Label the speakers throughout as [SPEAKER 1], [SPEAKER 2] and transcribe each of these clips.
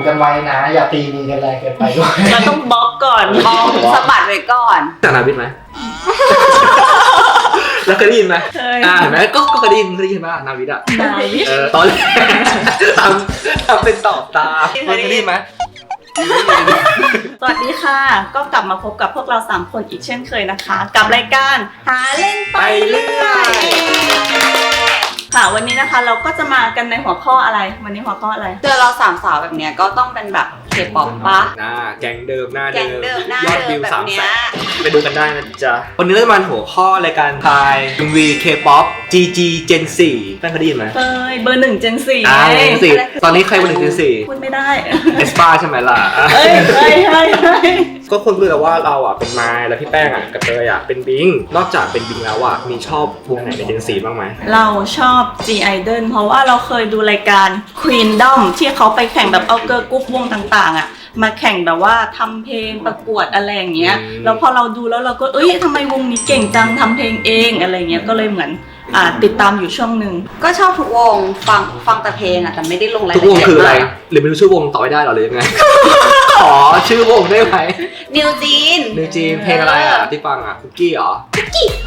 [SPEAKER 1] กันไว้นะอย่าตีมือกันแรงเกินไปด้วย
[SPEAKER 2] เราต้องบล็อกก่อน
[SPEAKER 3] มองสะบัดไว้ก่อน
[SPEAKER 4] จากนาวิทไหม แล้วเคยได้ยินไหมเห็นไหมก็เคยได้ยินไหมนาวิทอ่ะตอนแรกทำเป็นตอบตาเคยได้ยินไหม
[SPEAKER 2] สวัสดีค่ะก็กลับมาพบกับพวกเรา3คนอีกเช่นเคยนะคะกับรายการหาเล่นไปเรื่อยค่ะวันนี้นะคะเราก็จะมากันในหัวข้ออะไรวันนี้หัวข้ออะไร
[SPEAKER 3] เจอเรา3 สาวแบบเนี้ยก็ต้องเป็นแบบเคป๊อปปะ
[SPEAKER 4] แก๊งเดิมหน้าเดิม
[SPEAKER 3] ยอดวิว
[SPEAKER 4] 300,000ไปดูกันได้นะจ๊ะวันนี้เราจะมาหัวข้อรายการทาย MV K-pop GG Gen 4ตั้งเคยได้ยินไหม
[SPEAKER 2] เบอร์1 Gen 4
[SPEAKER 4] Gen 4ตอนนี้ใครเบอร์1 Gen 4
[SPEAKER 2] พูดไม่ได้
[SPEAKER 4] เอสปาใช่ไหมล่ะ
[SPEAKER 2] เฮ้ย
[SPEAKER 4] ก็คนรู้แล้วว่าเราอ่ะเป็นไม้แล้วพี่แป้งอ่ะกับเตยอ่ะเป็นบิงนอกจากเป็นบิงแล้วอ่ะมีชอบวงไหนใน Gen 4บ้างไหม
[SPEAKER 2] เราชอบ G Idol เพราะว่าเราเคยดูรายการ Queendom ที่เขาไปแข่งแบบเอาเกิร์ลกรุ๊ปวงต่างๆอ่ะมาแข่งแบบว่าทำเพลงประกวดอะไรอย่างเงี้ยแล้วพอเราดูแล้วเราก็ทำไมวงนี้เก่งจังทำเพลงเองอะไรเงี้ยก็เลยเหมือนติดตามอยู่ช่วงหนึ่ง
[SPEAKER 3] ก็ชอบทุกวงฟังแต่เพลงอ่ะแต่ไม่ได้ลงรายละ
[SPEAKER 4] เอียด
[SPEAKER 3] ทุกวง
[SPEAKER 4] คืออะไรหรือไม่รู้ชื่อวงต่อไม่ได้หรอหรือยังไง ขอชื่อวงได้ไหม
[SPEAKER 3] นิวจีน
[SPEAKER 4] เพลงอะไรอ่ะที่ฟังอ่ะคุกกี้เหรอ
[SPEAKER 3] คุกกี้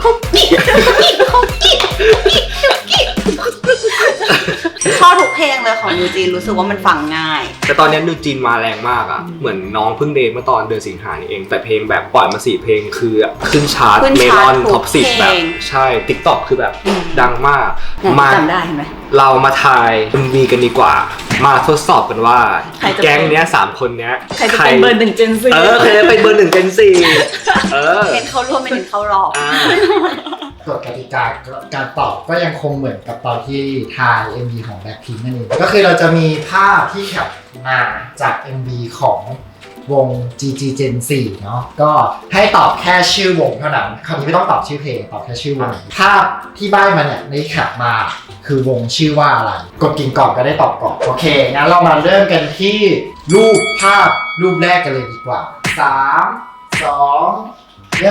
[SPEAKER 3] ชอบทุกเพลงเลยของนิวจีนรู้สึกว่ามันฟังง่าย
[SPEAKER 4] แต่ตอนนี้นิวจีนมาแรงมากอ่ะเหมือนน้องเพิ่งเดบิวต์เมื่อตอนเดือนสิงหานี่เองแต่เพลงแบบปล่อยมา4 เพลงคือขึ้นชาร์ตเมลอนท็อป10แบบใช่ TikTok คือแบบดังมาก
[SPEAKER 3] จำได้เห็นไหม
[SPEAKER 4] เรามาทาย MV กันดีกว่ามาทดสอบกันว่าแก๊งเนี้ย3 คนเนี้ย
[SPEAKER 2] ใครจะเป็นเบอร์1 Gen 4
[SPEAKER 4] ใครจะเป็นเบอร์1 Gen 4
[SPEAKER 3] เป็นเขาร่วมไม่ถึงเขารอบ
[SPEAKER 1] กฎกติกาการตอบก็ยังคงเหมือนกับตอนที่ทาย MV ของ Blackpink นั่นเองก็คือเราจะมีภาพที่แคปมาจาก MV ของวง GG Gen 4 เนาะก็ให้ตอบแค่ชื่อวงเท่านั้นคราวนี้ไม่ต้องตอบชื่อเพลงตอบแค่ชื่อวงภาพที่ใบ้มาเนี่ยในแคปมาคือวงชื่อว่าอะไรกดกิ่งก่อนก็ได้ตอบก่อนโอเคงั้นเรามาเริ่มกันที่รูปภาพรูปแรกกันเลยดีกว่า3 2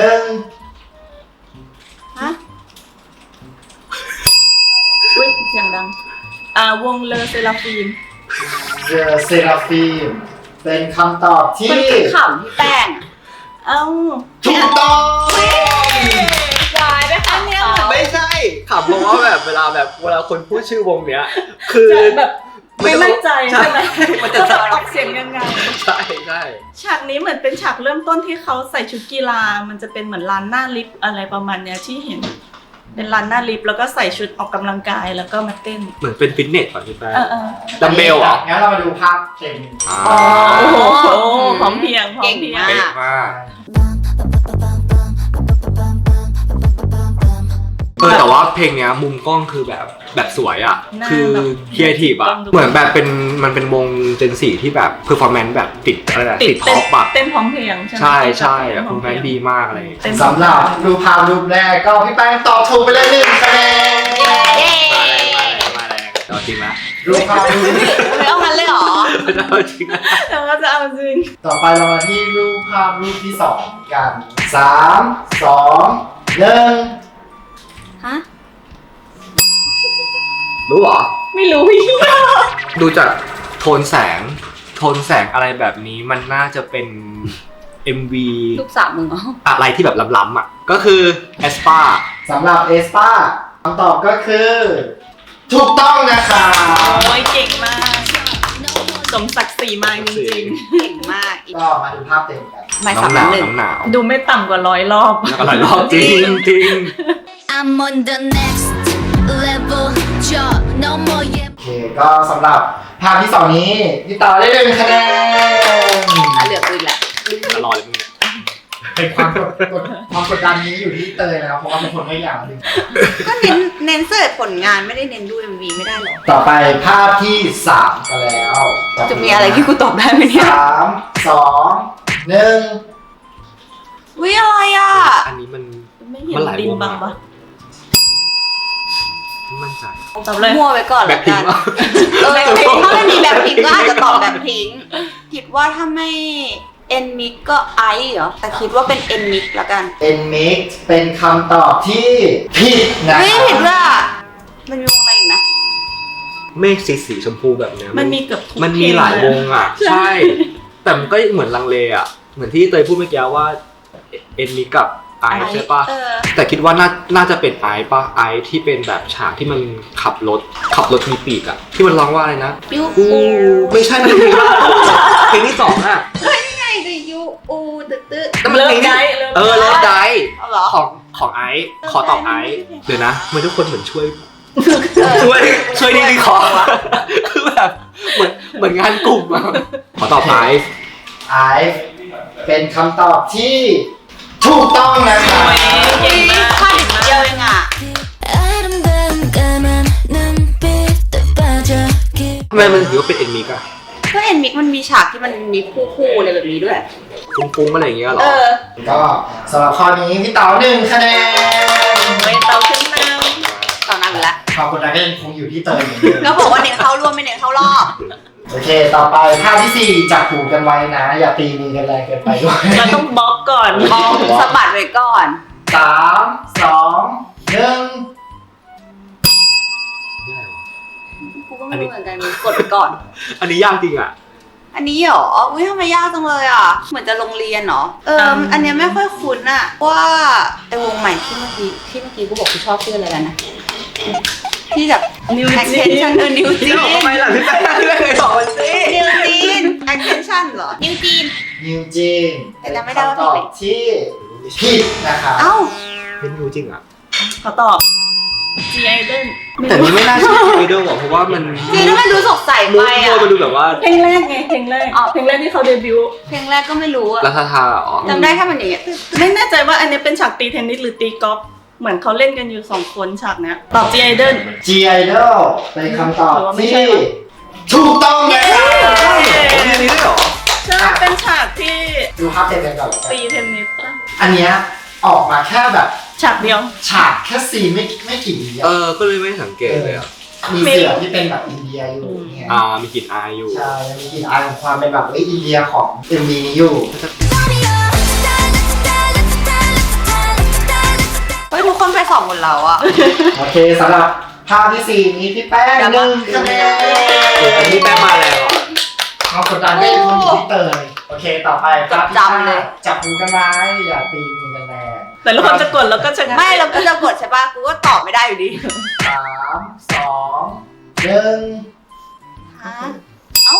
[SPEAKER 1] 1
[SPEAKER 2] ฮะอุ้ยเสียงดังวงเลอเซราฟีม
[SPEAKER 1] เซราฟีมเป็นคำตอบที่
[SPEAKER 3] ขำที่แป้ง
[SPEAKER 1] ถูกต้อง
[SPEAKER 3] วายไหมคะเนี่ย
[SPEAKER 4] ไม่ใช่ขำเพราะว่าแบบเวลาคนพูดชื่อวงเนี้ยคือ
[SPEAKER 2] แบบไม่มั่นใจใช่ไหม
[SPEAKER 4] มันจะ
[SPEAKER 2] ออกเสียงยังไง
[SPEAKER 4] ใช่
[SPEAKER 2] ฉากนี้เหมือนเป็นฉากเริ่มต้นที่เขาใส่ชุดกีฬามันจะเป็นเหมือนลานหน้าลิฟต์อะไรประมาณเนี้ยที่เห็นเป็นลานหน้าลิฟต์แล้วก็ใส่ชุดออกกำลังกายแล้วก็มาเต้น
[SPEAKER 4] เหมือนเป็นฟิตเนสก่อนใช่ไหม
[SPEAKER 1] ดัมเบลเหรองั้นเรามาดูภาพเต็ม
[SPEAKER 2] โอ้โหพร้อมเพียง
[SPEAKER 3] เก่งมาก
[SPEAKER 4] แต่ว่าเพลงเนี้ยมุมกล้องคือแบบสวยอ่ะคือครีเอทีฟอ่ะเหมือนแบบมันเป็นวงเจน4ที่แบบเพอร์ฟอร์แมนซ์แบบติดอะไรนะติดท็อปอ่ะ
[SPEAKER 2] เต้นพร้อมเพลง
[SPEAKER 4] ใช่เพอร์ฟอร์แมนซ์ดีมากเลย
[SPEAKER 1] สำหรับรูปภาพรูปแรกก็พี่แป้งตอบถูกไปเลย1 คะแนน
[SPEAKER 4] มาแรงเอาจริงละ
[SPEAKER 1] รูปภาพรูป
[SPEAKER 3] ไม่เอางั้นเลยหรอ
[SPEAKER 4] เอาจริงละ
[SPEAKER 2] แต่ว่าจะเอาจริง
[SPEAKER 1] ต่อไปเรามาที่รูปภาพรูปที่2กัน3 2 1
[SPEAKER 3] ฮะ
[SPEAKER 4] รู้เหรอ
[SPEAKER 2] ไม่รู้พี่
[SPEAKER 4] ดูจากโทนแสงอะไรแบบนี้มันน่าจะเป็น MV
[SPEAKER 3] ลูกสาวมึงเหรอ
[SPEAKER 4] อะไรที่แบบล้ำๆอ่ะก็คือเอสปา
[SPEAKER 1] สำหรับเอสปาคำตอบก็คือถูกต้องนะคะ
[SPEAKER 2] โอ้ยเก่งมากสมศักดิ์ศรีมากจริง
[SPEAKER 3] ๆเก่งมาก
[SPEAKER 1] ก็มาดูภาพเต็มกัน
[SPEAKER 3] ไม่
[SPEAKER 4] 3-1
[SPEAKER 2] ดูไม่ต่ำกว่า100 รอบ
[SPEAKER 4] 100 รอบจริง
[SPEAKER 5] I'm on the next level
[SPEAKER 1] โอเคก็สำหรับภาพที่2นี้พี่ต่อได้1 คะแนน
[SPEAKER 3] เหลืออีกแหละ
[SPEAKER 4] รอเลยมึง
[SPEAKER 1] เป็นความกดดันนี้อยู่ที่เตยนะครับเพราะว่าเป็นคนไม่อยากดึง
[SPEAKER 3] ก็เน้นเสิร์ชผลงานไม่ได้เน้นดู MV ไม่ได้หรอ
[SPEAKER 1] ต่อไปภาพที่3กันแล้ว
[SPEAKER 3] จะมีอะไรที่กูตอบได้ไหมเนี่ย
[SPEAKER 1] 3 2 1
[SPEAKER 3] วิอะไรอ่ะ
[SPEAKER 4] อันนี้มัน
[SPEAKER 2] หลายดินบังปะ
[SPEAKER 4] มั่นใจ
[SPEAKER 3] ตอบเลยมั่วไปก่อนแล้วกันถ้าไม่มีแบบพิงก็อาจจะตอบแบบพิงคิดว่าถ้าไม่เอ็นมิกก็ไอเหรอแต่คิดว่าเป็นเอ็นมิกละกัน
[SPEAKER 1] เอ็นมิกเป็นคำตอบที่ผิดนะ
[SPEAKER 3] ไม่ผิดว่ะมันมีวงอะไรอีกนะ
[SPEAKER 4] เมฆสีชมพูแบบเนี้ย
[SPEAKER 2] มันมีเกือบทุก
[SPEAKER 4] มันมีหลายวงอ่ะ
[SPEAKER 2] ใช่
[SPEAKER 4] ใช่ แต่มันก็เหมือนลังเลอ่ะเหมือนที่เตยพูดเมื่อกี้ว่าเอ็นมิกกับไอซ์ใช่ปะ
[SPEAKER 3] เออ
[SPEAKER 4] แต่คิดว่าน่าจะเป็นไอซ์ปะไอซ์ที่เป็นแบบฉากที่มันขับรถมีปีกอ่ะที่มันร้องว่าอะไรนะ
[SPEAKER 3] ยู
[SPEAKER 4] อูไม่ใช่มันเพลงเพลงที่สองอ่ะ
[SPEAKER 3] ไงดิยูอูตึ๊ดตึ๊ด
[SPEAKER 4] แต่มัน
[SPEAKER 2] เลิ
[SPEAKER 4] เพ
[SPEAKER 2] ฟ
[SPEAKER 4] ลง
[SPEAKER 2] ได
[SPEAKER 4] ที่
[SPEAKER 2] เลิฟ
[SPEAKER 4] เลิฟได
[SPEAKER 3] เอาเหรอ
[SPEAKER 4] ของไอซ์ขอตอบไอซ์เดี๋ยวนะมันทุกคนเหมือนช่วยดีขอคือแบบเหมือนงานกลุ่มอะขอตอบไอซ์
[SPEAKER 1] ไอซ์เป็นคำตอบที่ถูกต้องนะครับ
[SPEAKER 2] เก่งมาก
[SPEAKER 3] พลาดนิดเดียวเองอ่ะ
[SPEAKER 4] ทำไมมันถือว่าเป็นเอ็นมิกอะ
[SPEAKER 3] ก็เอ็นมิกมันมีฉากที่มันมีคู่อะไรแบบนี้ด้วย
[SPEAKER 4] ฟุ้งๆอะไรอย่างเงี้ยเหรอ
[SPEAKER 1] ก็สำหรับข้อนี้พี่เต๋า1 คะแนน
[SPEAKER 2] ไม่เตาขึ้นน
[SPEAKER 3] ตอนนั้นอยู่แล้ว
[SPEAKER 1] ขอบคุณนะก็ยังคงอยู่ที่เตยเหมือนเดิม
[SPEAKER 3] ก็บอกว่าเน้นเข้าร่วมไม่เน้นเข้ารอบ
[SPEAKER 1] โอเค ต่อไปท่าที่ 4 จับหูกันไว้นะ อย่าตีมือกันแรงเกินไปด้วย
[SPEAKER 2] ำเราต้องบล็อกก่อน
[SPEAKER 3] มองสะบัดไว้ก่อน
[SPEAKER 1] 3 2 1
[SPEAKER 3] กูก็ไม่รู้เหมือนกันกดไปก่อน
[SPEAKER 4] อันนี้ยากจริงอะ
[SPEAKER 3] อันนี้เหรอ อุ้ยทำไมยากจังเลยอ่ะ เหมือนจะโรงเรียนเหรอ อันเนี้ยไม่ค่อยคุ้นอ่ะ ว่าไอวงใหม่ที่เมื่อกี้กูบอกกูชอบชื่ออะไรกันนะ ที่แบบ
[SPEAKER 2] นิว
[SPEAKER 3] extension นิวจีน
[SPEAKER 4] ทำไมล่ะพี่แป้งไม่เคยบอกมันสิ
[SPEAKER 3] นิวจีน extension เหรอ นิวจีน
[SPEAKER 1] นิวจีน
[SPEAKER 3] แต่จำไม่ได้ว่า
[SPEAKER 1] คำตอบที่ผิดนะครับ
[SPEAKER 3] เอ้า
[SPEAKER 4] ไม่รู้จริงอะ
[SPEAKER 2] ขอตอบ G Idol
[SPEAKER 4] แต่นี่ไม่น่าใช่ไอดอลหรอกเพราะว่ามัน
[SPEAKER 3] จีนแล้วมันดูสดใส
[SPEAKER 4] มู
[SPEAKER 3] ไป
[SPEAKER 4] ฟ
[SPEAKER 3] อ่ะ
[SPEAKER 4] มันดูแบบว่า
[SPEAKER 2] เพลงแรกไงเพลงแรก
[SPEAKER 3] อ๋อ
[SPEAKER 2] เพลงแรกที่เขาเดบิวต์
[SPEAKER 3] เพลงแรกก็ไม่รู้อ่ะ
[SPEAKER 4] รัฐทาอ๋อ
[SPEAKER 3] จำได้แค่มันอย่างเงี้ย
[SPEAKER 2] ไม่แน่ใจว่าอันนี้เป็นฉากตีเทนนิสหรือตีกอล์ฟเหมือนเขาเล่นกันอยู่2 คนฉากเนี้ยตอบ G Idol
[SPEAKER 1] G Idol เป็นคำตอบ
[SPEAKER 2] หรือว่าไม่
[SPEAKER 1] ที่
[SPEAKER 2] ใช่วะ
[SPEAKER 1] ถูกต้องนะครับ
[SPEAKER 4] โอ้ยอันนี้ด้วยเหรอ
[SPEAKER 2] ใช่เป็นฉากที่
[SPEAKER 1] ดูภาพเต็มกันก่อนแล้วกัน
[SPEAKER 2] ตีเทนนิสป่ะ
[SPEAKER 1] อันเนี้ยออกมาแค่แบบ
[SPEAKER 2] ฉากเดียว
[SPEAKER 1] ฉากแค่ซีนไม่กี่วิ
[SPEAKER 4] ก็เลยไม่สังเกตเลยอ่ะ
[SPEAKER 1] มีเสือที่เป็นแบบอินเดียอยู่เนี่ย
[SPEAKER 4] มีกลิ่นอายอยู่
[SPEAKER 1] ใช่มีกลิ่นอายของความเป็นแบบอินเดียของ MV นี้อยู่
[SPEAKER 3] เฮ้ยทุกคนไปส่องหมดแล้วอ่ะ
[SPEAKER 1] โอเคสำหรับภาพที่ 4 นี้พี่แป้ง 1 คะแนน
[SPEAKER 4] อันนี้แป้งมาแล้วอ่ะ
[SPEAKER 1] ความกดดันก็ยังคงอยู่ที่เตยโอเคต่อไปภาพที่
[SPEAKER 3] จำเลย
[SPEAKER 1] 5จับมือกันไว้อย่าตีมือกันแรง
[SPEAKER 2] แต่ละคนจะกดแล้วก็จะ
[SPEAKER 3] ไม่เราก็จะกดใช่ป่ะ กูก็ตอบไม่ได้อยู่ดี
[SPEAKER 1] 3 2 1
[SPEAKER 3] ฮะเอ้า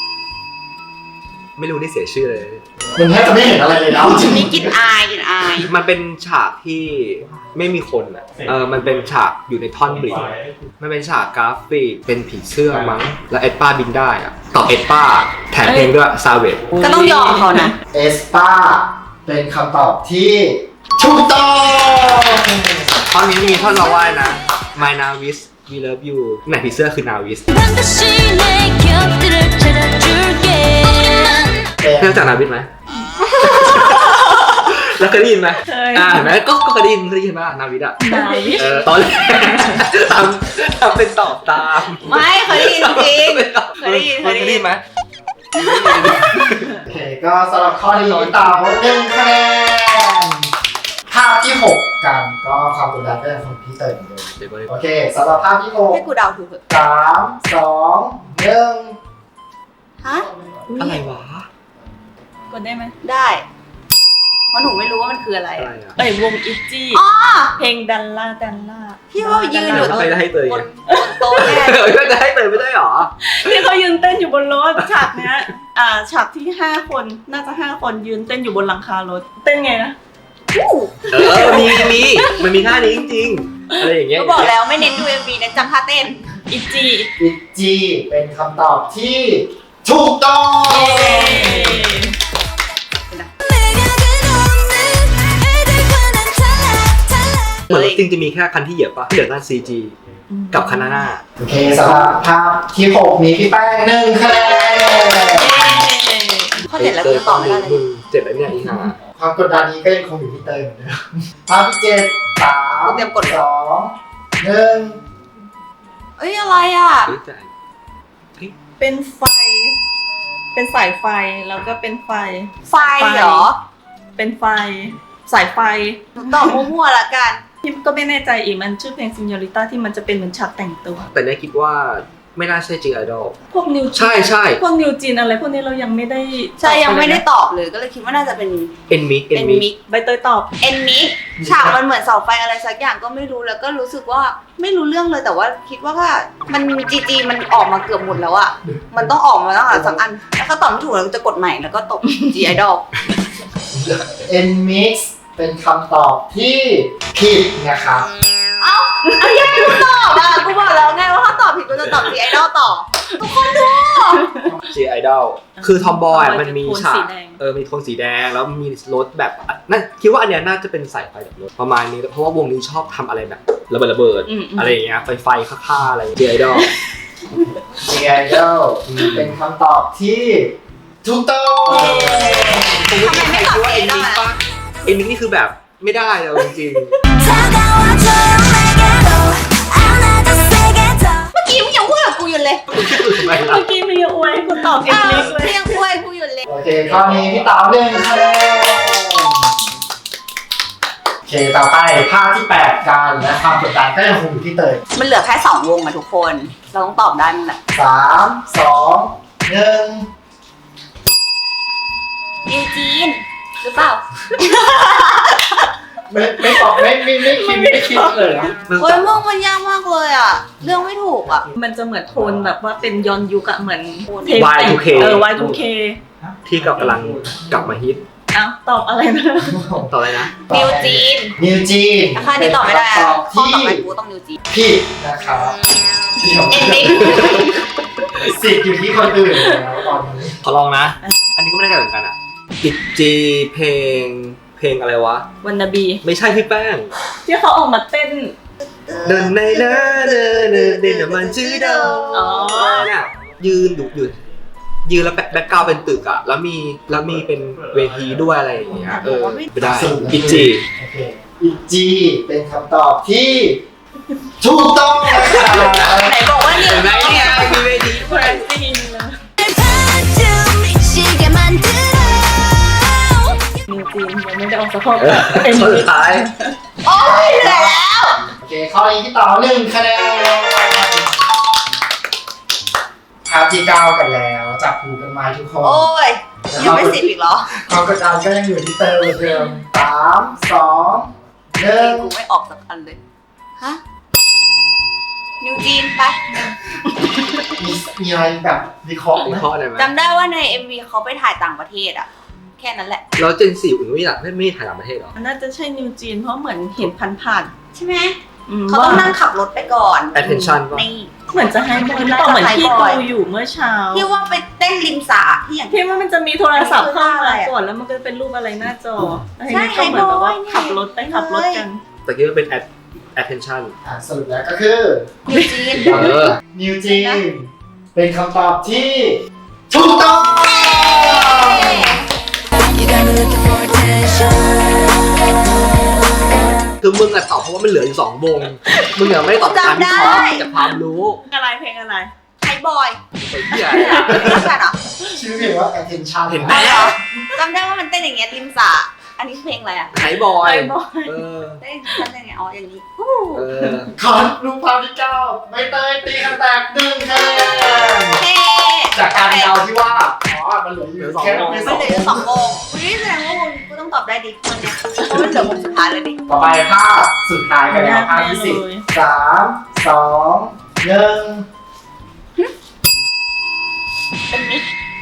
[SPEAKER 4] ไม่รู้นี่เสียชื่อเลย
[SPEAKER 1] มึงแทบจะไม่เห็นอะไรเลยนะจริง
[SPEAKER 3] มีกลิ่นอายกลิ่นอาย
[SPEAKER 4] มันเป็นฉากที่ไม่มีคนอ่ะมันเป็นฉากอยู่ในท่อนบริดจ์มันเป็นฉากกราฟิกเป็นผีเสื้อมั้งแล้วเอ็ดป้าบินได้อ่ะตอบเอ็ดป้าแถมเพลงด้วยซาเวต
[SPEAKER 3] ก็ต้องยอมเขานะ
[SPEAKER 1] เอสปาเป็นคำตอบที่ถูกต้อง
[SPEAKER 4] ท่อนนี้มีท่อนเราว่ายนะ My Navis We Love You ไหนผีเสื้อคือ Navis เพื่อนจากนาวิสไหม แล้วเคยได้ยินไหม
[SPEAKER 2] เคย
[SPEAKER 4] เห็นไหมก็เคยได้ยินป่ะนาวิสอ่ะ
[SPEAKER 2] ไหน
[SPEAKER 4] ตอนแรกทำเป็นตอบตาม
[SPEAKER 3] ไม่เคยได้ยินจริงเคยได้ยิน
[SPEAKER 4] เคยได้ยินไหม
[SPEAKER 1] โอเคก็สำหรับข้อนี้เต่า1 คะแนนภาพที่ 6 กันก็ความกดดันก็ยังคงที่เตยเหมือนเดิม
[SPEAKER 4] เดี๋ยวก่อน
[SPEAKER 1] โอเคสำหรับภาพที่
[SPEAKER 3] ให้กูเดาถูกเถอะ
[SPEAKER 1] 6 3 2 1
[SPEAKER 3] ฮะ
[SPEAKER 4] อะไรวะ
[SPEAKER 2] กดได้ไหม
[SPEAKER 3] ได้ เพราะหนูไม่รู้ว่ามันคืออะไร
[SPEAKER 4] อะไรอ่ะ
[SPEAKER 2] วงอิจจี้
[SPEAKER 3] อ๋อ
[SPEAKER 2] เพลงดันล่าดันล่า
[SPEAKER 3] ที่ว่ายืนอยู่
[SPEAKER 4] แล้วใครจะให้เตย
[SPEAKER 3] บนโต๊ะแน่
[SPEAKER 4] ก็จะให้เตยไม่ได้หรอ
[SPEAKER 2] ที่เขายืนเต้นอยู่บนรถฉากเนี้ยฉากที่5 คนน่าจะ5 คนยืนเต้นอยู่บนหลังคารถเต้นไงนะ
[SPEAKER 4] มันมีท่านี้จริงๆอะไรอย่างเงี้ย
[SPEAKER 3] ก็บอกแล้วไม่เน้นดู MV เน้นจำท่าเต้น
[SPEAKER 2] อิจจี้
[SPEAKER 1] อิจีเป็นคำตอบที่ถูกต้อง
[SPEAKER 4] เหมือนรถจริงจะมีแค่คันที่เหยียบปะที่เหลือนั่น CG กับคันหน้า
[SPEAKER 1] โอเคสำหรับภาพที่ 6 นี้พี่แป้ง1 คะแนน
[SPEAKER 3] ข้อเจ็ดแล้วกูตอบไม่ได้เลย
[SPEAKER 4] เจ็ดแล้วเนี่ยอีห่า
[SPEAKER 1] ความกดดันนี้ก็ยังคงอยู่ที่เตยเหมือนเดิมภาพที่7 3
[SPEAKER 3] เตรียมกดเลย
[SPEAKER 1] 2 1
[SPEAKER 3] เอ้ยอะไรอ่ะ
[SPEAKER 4] รู้ใจ
[SPEAKER 2] เป็นไฟ เป็นสายไฟแล้วก็เป็นไฟ
[SPEAKER 3] ไฟเหรอ
[SPEAKER 2] เป็นไฟ สายไฟ
[SPEAKER 3] หนูตอบมั่วๆละกัน
[SPEAKER 2] พี่ก็ไม่แน่ใจอีกมันชื่อเพลง Señorita ที่มันจะเป็นเหมือนฉากแต่งตัว
[SPEAKER 4] แต่เนี่ยคิดว่าไม่น่าใช่ G Idol
[SPEAKER 2] พวกนิว
[SPEAKER 4] ใช่ใช่
[SPEAKER 2] พวกนิวจีนอะไรพวกนี้เรายังไม่ได้
[SPEAKER 3] ใช่ยังไม่ได้ตอบเลยก็เลยคิดว่าน่าจะเป็น
[SPEAKER 4] Enmix
[SPEAKER 3] มิก
[SPEAKER 2] ใบเตยตอบ
[SPEAKER 3] มิกฉากมันเหมือนเสาไฟอะไรสักอย่างก็ไม่รู้แล้วก็รู้สึกว่าไม่รู้เรื่องเลยแต่ว่าคิดว่าถ้ามันจีมันออกมาเกือบหมดแล้วอะมันต้องออกมาแล้วสักอันแล้วก็ตอบไม่ถูกแล้วจะกดใหม่แล้วก็ตบ G Idol
[SPEAKER 1] Nmix เป็นคำตอบที่ผิดนะครับ
[SPEAKER 3] เอายังไม่รู้ตอบอ่ะกูบอกแล้วไงว่าถ้าตอบผิดกูจะตอบ G Idol ต่อทุกคนดู
[SPEAKER 4] G Idol คือทอมบอยมันมี
[SPEAKER 2] โทน
[SPEAKER 4] ฉาก
[SPEAKER 2] สีแดง
[SPEAKER 4] มีโทนสีแดงแล้วมีรถแบบนั่นคิดว่าอันเนี้ยน่าจะเป็นสายไฟแบบรถประมาณนี้เพราะว่าวงนี้ชอบทำอะไรแบบระเบิดอะไรอย่างเงี้ยไฟฆ่าอะไร G Idol
[SPEAKER 1] G Idol เป็นคำตอบที่ถูกต้อง
[SPEAKER 3] ทำไมไม่ตอบ G Idol อ่ะ
[SPEAKER 4] Enmix นี่คือแบบไม่ได้เลยจริง
[SPEAKER 3] เมื่อกี้มึงยังพูดกับกูอยู่เลย
[SPEAKER 4] ๆทำไมล่ะ
[SPEAKER 2] เมื่อกี้มีอวยกูตอบเอ็มลิกเลย
[SPEAKER 3] ยังพูดกูอยู่เลย
[SPEAKER 1] โอเคข้อนี้พี่ต๋า1 คะแนนโอเคต่อไปภาพที่ 8 กันและความกดดันก็ยังคงอยู่ที่เตย
[SPEAKER 3] มันเหลือแค่2วงอะทุกคนเราต้องตอบได้นั่นแหละ
[SPEAKER 1] 3 2 1
[SPEAKER 3] นิวจีนหรือเปล่า
[SPEAKER 1] ไม่ตอบไม่คิดเลยนะ
[SPEAKER 3] โอ้ยมึงมันยากมากเลยอ่ะเรื่องไม่ถูกอ่ะ
[SPEAKER 2] มันจะเหมือนโทนแบบว่าเป็นย้อนยุคอะเหมือน
[SPEAKER 4] Y2K
[SPEAKER 2] Y2K
[SPEAKER 4] ที่กำลังกลับมาฮิต
[SPEAKER 2] อ้าวตอบอะไรนะ
[SPEAKER 4] ต่ออะไรนะ
[SPEAKER 3] นิวจีน
[SPEAKER 1] นิวจีน
[SPEAKER 3] ราคานี้ตอบไม่ได้
[SPEAKER 1] เป็น
[SPEAKER 3] อะ
[SPEAKER 1] คำตอบ
[SPEAKER 3] ข้อ
[SPEAKER 1] ที่
[SPEAKER 3] ต่อไปกูต้องนิวจีน
[SPEAKER 1] ผิดนะครับเดี๋ยว
[SPEAKER 3] Enmix
[SPEAKER 1] สิทธิ์อยู่ที่คนอื่นแล้วตอนนี้
[SPEAKER 4] ขอลองนะ อันนี้ก็ไม่ได้เหมือนกันอ่ะกิจจีเพลงอะไรวะ
[SPEAKER 2] วันนาบี
[SPEAKER 4] ไม่ใช่พี่แป้ง
[SPEAKER 2] ที่เขาออกมาเต้น
[SPEAKER 4] เดินในนะเดินมันชื่อเดิม
[SPEAKER 2] อ๋อ
[SPEAKER 4] เนี่ยยืนดูอยู่ยืนแล้วแบ็คกราวด์เป็นตึกอ่ะแล้วมีเป็นเวทีด้วยอะไรอย่างเงี้ยไม่ได้กิจจี
[SPEAKER 1] โอเคอิจีเป็นคำตอบที่ถูกต้องนะครับ
[SPEAKER 3] ไหนบอกว่านิว
[SPEAKER 4] เห็นไหมเนี่ยมีเวที
[SPEAKER 2] แบรนด์ซีนเลย
[SPEAKER 5] 시계 만들어
[SPEAKER 2] นิวจีนยังไม่ได้ออกสะโพกเอ็ม
[SPEAKER 4] สุ
[SPEAKER 2] ลิ
[SPEAKER 4] ด
[SPEAKER 2] ก
[SPEAKER 4] ท้าย
[SPEAKER 3] โอ้ยเหนื่อยแล้ว
[SPEAKER 1] โอเคข้อนี้พี่ต่อ1 คะแนนภาพที่ 9 กันแล้วจับหูกันไหมทุกคน
[SPEAKER 3] โอ้ยยังไม่10อีกเหรอ
[SPEAKER 1] ความกดดันก็ยังอยู่ที่เตยเหมือนเดิม3 2
[SPEAKER 3] กู
[SPEAKER 1] 1
[SPEAKER 3] ไม่ออกสักอันเลยฮะนิวจีนไป
[SPEAKER 1] มีอะไรแบบวิเคราะห์ไหม
[SPEAKER 4] มีข้ออะไรไหม
[SPEAKER 3] จำได้ว่าใน MV เขาไปถ่ายต่างประเทศอะแค่นั้นแหละ
[SPEAKER 4] แล้วเจน4อุ่นไม่อยากไม่ถ่ายต่างประเทศหรอ
[SPEAKER 2] มันน่าจะใช่นิวจีนเพราะเหมือนเห็นผ่าน
[SPEAKER 3] ใช่ไหม
[SPEAKER 2] ๆ
[SPEAKER 3] เขาต้องนั่งขับรถไปก่อน
[SPEAKER 4] attention ป่ะ
[SPEAKER 3] นี่
[SPEAKER 2] เหมือนจะให้บอยหรือเปล่าเหมือนที่ดูอยู่เมื่อเช้า
[SPEAKER 3] ที่ว่าไปเต้นริมสระที่อย่าง
[SPEAKER 2] ที่ว่ามันจะมีโทรศัพท์เข้า
[SPEAKER 3] อะไร
[SPEAKER 2] มา
[SPEAKER 3] อะ
[SPEAKER 2] ก่อนแล้วมันก็เป็นรูปอะไรหน้าจอแล้ว
[SPEAKER 3] ใช่
[SPEAKER 2] ทีนี้ก็เหมือนแบบว่า
[SPEAKER 3] ไฮบอยเนี่ย
[SPEAKER 2] ขับรถไปขับรถกัน
[SPEAKER 4] แต่คิดว่าเป็น attention
[SPEAKER 1] สรุปแล้วก็คือ
[SPEAKER 3] นิวจีน
[SPEAKER 1] นิวจีนเป็นคำตอบที่ถูกต้อง
[SPEAKER 5] You got me looking for attention
[SPEAKER 4] คือมึงอะตอบเพราะว่ามันเหลืออยู่2 วง มึงอะไม่ได้ตอบตามที่ขอจากความรู้
[SPEAKER 2] อะไรเพลงอะไร
[SPEAKER 3] ไฮบอย
[SPEAKER 4] ไอ้เหี้ย
[SPEAKER 3] รู้จักเหรอ
[SPEAKER 1] ชื่อเพลงว่า attention
[SPEAKER 4] เห็นไหม
[SPEAKER 3] จำได้ว่ามันเต้นอย่างเงี้ยริมสระอันนี้เพลงอะไรอะ
[SPEAKER 4] ไฮบอย
[SPEAKER 2] ไฮบอย
[SPEAKER 4] เออ
[SPEAKER 3] เต้นยังไงอ๋ออย่างนี้
[SPEAKER 4] เออ
[SPEAKER 1] ขอรูปภาพที่ 9 ใบเตยตีกันแตก1 คะแนน
[SPEAKER 3] เฮ้
[SPEAKER 1] จากการเดาที่ว่ามันเหลืออยู่แค่ไม่
[SPEAKER 3] มัน
[SPEAKER 1] สอง
[SPEAKER 3] เหลืออยู่2 วงอุ้ยแสดงว่ามึงกูต้องตอบได้ดิคนเนี้ยเพราะมันเหลือวงสุดท้ายเลยดิ
[SPEAKER 1] ต่อไปภาพสุดท้ายกันแล้วภาพที่10 3 2 1
[SPEAKER 3] เป็นมิก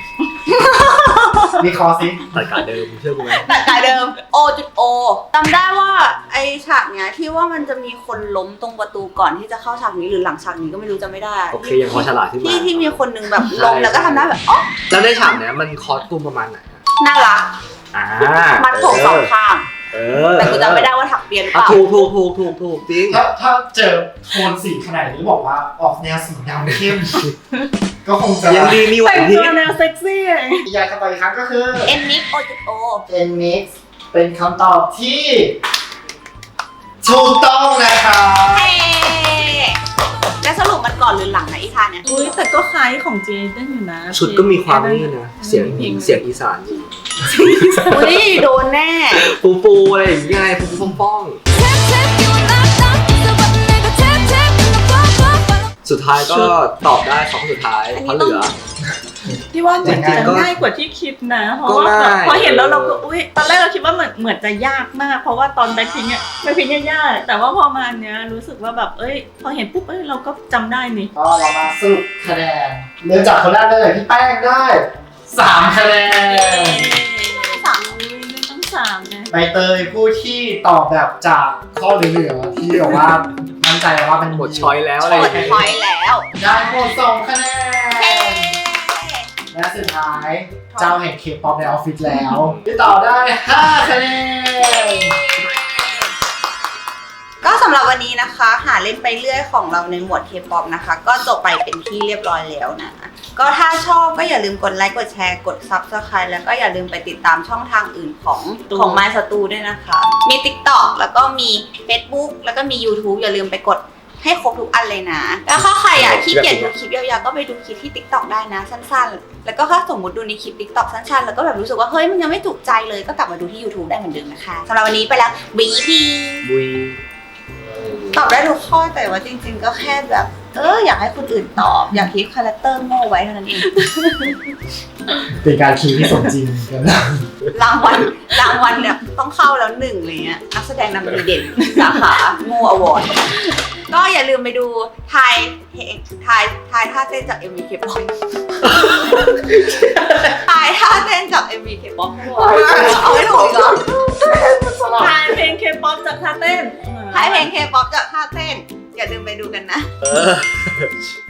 [SPEAKER 1] วิเคราะห์สิ
[SPEAKER 4] ตัดการเดิมเชื่อกูไหม
[SPEAKER 3] ตัดกายเดิม O.O จำได้ว่าไอฉากเนี้ยที่ว่ามันจะมีคนล้มตรงประตูก่อนที่จะเข้าฉากนี้หรือหลังฉากนี้ก็ไม่รู้จำไม่ได้
[SPEAKER 4] โอเคยังพอฉลาดขึ้นมา
[SPEAKER 3] ที่มีคนหนึงแบบล้มแล้วก็ทำหน้าแบบอ๋อ
[SPEAKER 4] แล้วในฉากเนี้ยมันคอสตูมประมาณไหนอะ
[SPEAKER 3] น่ารัก มัดผม2 ข้าง
[SPEAKER 4] เออ
[SPEAKER 3] แต่กูจำไม่ได้ว่าถักเปียนหรือเป
[SPEAKER 4] อ่ะ
[SPEAKER 3] ล่า
[SPEAKER 4] ถูกจริง
[SPEAKER 1] ถ้าเจอโทนสีขนาดนี้บอกว่าออกแนวสีดำเข้ม ก็คงจะ
[SPEAKER 4] ยังดีมีไหว
[SPEAKER 2] แต่ง
[SPEAKER 4] พริ
[SPEAKER 2] ตั
[SPEAKER 4] บ
[SPEAKER 2] วแนวเซ็กซี่ไง
[SPEAKER 1] อยากจะไปอีกครั้งก็คือ
[SPEAKER 3] N mix O.O
[SPEAKER 1] Nmix เป็นคำตอบที่ถูกต้องนะครับ
[SPEAKER 3] เฮ้แล้วสรุปมันก่อนหรือหลังนะอีท่าเนี้ย
[SPEAKER 2] อุ้ยแต่ก็คล้ายของเจเดนอยู่นะ
[SPEAKER 4] ชุดก็มีความนี่นะเสียงอีสานอยู่
[SPEAKER 3] อุ้ยโดนแน่
[SPEAKER 4] ฟูอะไรอย่างเงี้ยฟูป้อง
[SPEAKER 5] Tap tap you knock knock so but 내가 tap tap in the pop pop
[SPEAKER 4] สุดท้ายก็ตอบได้2สุดท้ายเพราะเหลือ
[SPEAKER 2] พี่ว่าเหมือนจะ
[SPEAKER 4] จริงๆก็
[SPEAKER 2] ง่ายกว่าที่คิดนะ เพราะว่า
[SPEAKER 4] ก็ง่าย
[SPEAKER 2] พอเห็นแล้วเราก็อุ้ยตอนแรกเราคิดว่าเหมือนจะยากมาก เพราะว่าตอนแบ็คพิงค์ยากแต่ว่าพอมาเนี้ยรู้สึกว่าแบบพอเห็นปุ๊บเราก็จำได้นี่
[SPEAKER 1] ก็เรามาสรุปคะแนนเริ่มจากคนแรกเลยพี่แป้งได้3คะแนน
[SPEAKER 2] ต้อง3ไง
[SPEAKER 1] ใบเตยผู้ที่ตอบแบบจากข้อเหลือๆที่แบบว่ามั่นใจว่ามัน
[SPEAKER 4] หมดช้อยแล้วอะไร
[SPEAKER 3] กดพอยต์แล้ว
[SPEAKER 1] ได้หมด2คะแน
[SPEAKER 3] เฮ้
[SPEAKER 1] น และสุดท้ายเจ้าแห่งเคป๊อปในออฟฟิศแล้วพี่ต่อได้5คะแนน
[SPEAKER 3] ก็สำหรับวันนี้นะคะ หาเล่นไปเรื่อยของเราในหมวด K-POP นะคะ ก็จบไปเป็นที่เรียบร้อยแล้วนะ ก็ถ้าชอบก็อย่าลืมกดไลค์กดแชร์กด Subscribe แล้วก็อย่าลืมไปติดตามช่องทางอื่นของ My Stu ด้วยนะคะ มี TikTok แล้วก็มี Facebook แล้วก็มี YouTube อย่าลืมไปกดให้ครบทุกอันเลยนะ แล้วถ้าใครขี้เกียจดูคลิปยาวๆก็ไปดูคลิปที่ TikTok ได้นะสั้นๆ แล้วก็ถ้าสมมติดูในคลิป TikTok สั้นๆแล้วก็แบบรู้สึกว่าเฮ้ยมันยังไม่ถูกใจเลยก็กลับมาดูที่ YouTube ได้เหมือนเดิมนะคะสำหรับวันนี้ไปแล้วบีบี
[SPEAKER 4] บุย
[SPEAKER 3] ตอบได้ทุกข้อแต่ว่าจริงๆก็แค่แบบอยากให้คนอื่นตอบ อยากคีปคาแรคเตอร์โง่ไว้เท่านั้นเอง
[SPEAKER 1] เป็นการคีย์ที่สมจริงกันนะ
[SPEAKER 3] รางวัลเนี่ยต้องเข้าแล้ว1อะไรเงี้ยนักแสดงนำดีเด่นสาขาโง่อวอร์ดก็อย่าลืมไปดูทายท่าเต้นจาก MV K-pop ทายท่าเต้นจาก MV K-pop เอาไม่ถูกอีกเหรอ
[SPEAKER 2] ทายเพลงเคป๊อปจากท่าเต้น
[SPEAKER 3] ทายเพลง K-pop จากท่าเต้นอย่าลืมไปดูกันนะ
[SPEAKER 4] เออ